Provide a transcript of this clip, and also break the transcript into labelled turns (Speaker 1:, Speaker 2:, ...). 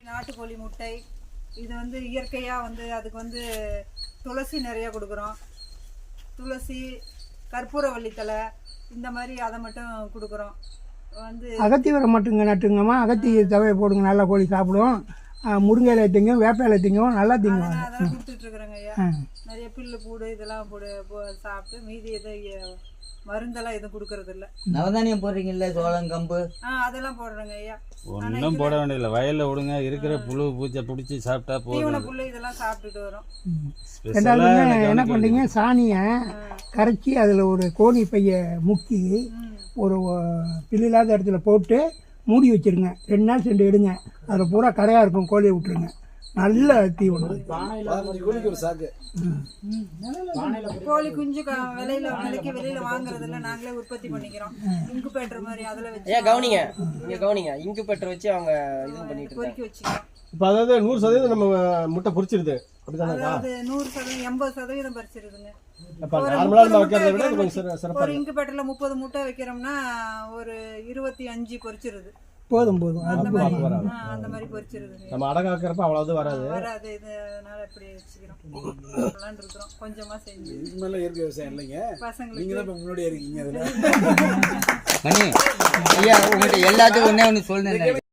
Speaker 1: நாட்டுக்கோழி முட்டை இது வந்து இயற்கையாக வந்து அதுக்கு வந்து துளசி நிறைய கொடுக்குறோம். துளசி, கற்பூரவள்ளி தழை இந்த மாதிரி அதை மட்டும் கொடுக்குறோம். வந்து
Speaker 2: அகத்தி வர மட்டுங்க நட்டுங்கம்மா. அகத்தி தவையை போடுங்க, நல்லா கோழி சாப்பிடும். முருங்கை இலை திங்கும், வேப்ப இலை திங்கும், நல்லா திங்கும்.
Speaker 1: அதெல்லாம் கொடுத்துட்ருக்குறேங்க ஐயா. நிறைய புல்லு பூடு இதெல்லாம் சாப்பிட்டு மீதி எதுவும் மருந்தெல்லாம் எதுவும் கொடுக்கறது இல்லை.
Speaker 3: நவதானியம் போடுறீங்கல்ல, சோளம், கம்பு
Speaker 1: அதெல்லாம் போடுறேங்க ஐயா.
Speaker 4: ஒன்றும் போட வேண்டியதில்லை, வயலில் விடுங்க, இருக்கிற புழு பூச்சை பிடிச்சி சாப்பிட்டா போதும்.
Speaker 1: புல்லு இதெல்லாம் சாப்பிட்டுட்டு வரும்.
Speaker 2: ரெண்டாவது என்ன பண்ணுறீங்க, சாணியை கரைச்சி அதில் ஒரு கோணி பைய முக்கி ஒரு பில்லில்லாத இடத்துல போட்டு மூடி வச்சுருங்க. 2 நாள் சென்று எடுங்க, அதில் பூரா கரையாக இருக்கும். கோழியை விட்டுருங்க, நல்ல தீவனம்.
Speaker 1: கோழி குஞ்சு வெளியில வாங்குறதுல நாங்களே உற்பத்தி பண்ணிக்கிறோம். இன்குபேட்டர் மாதிரி அதில் வச்சு
Speaker 5: கவனிங்க இன்குபேட்டர் வச்சு அவங்க இது பண்ணிட்டு
Speaker 1: பொறுக்கி வச்சுக்கிறோம்.
Speaker 6: இப்போ அதாவது 100% நம்ம முட்டை பொரிச்சிருது, அப்படிதானே?
Speaker 1: அது 100%, 80% பறிச்சிருதுங்க.
Speaker 6: ஒரு
Speaker 1: இன்குபேட்டர்ல 30 முட்டை வைக்கிறோம்னா ஒரு 25 பொரிச்சிருது.
Speaker 2: போதும்
Speaker 1: அந்த மாதிரி பொரிச்சிருது.
Speaker 6: நம்ம அடகாக்கிறப்ப அவ்வளவு வராது.
Speaker 1: இதனால இப்படி வச்சுக்கிறோம். இருக்கிறோம் கொஞ்சமா செஞ்சு.
Speaker 7: இயற்கை விவசாயம் இல்லைங்க, பசங்களுக்கு முன்னாடியே இருக்கீங்க.
Speaker 3: ஐயா, உங்கள்கிட்ட எல்லாத்துக்கும் ஒண்ணே ஒன்று சொல்லுங்க.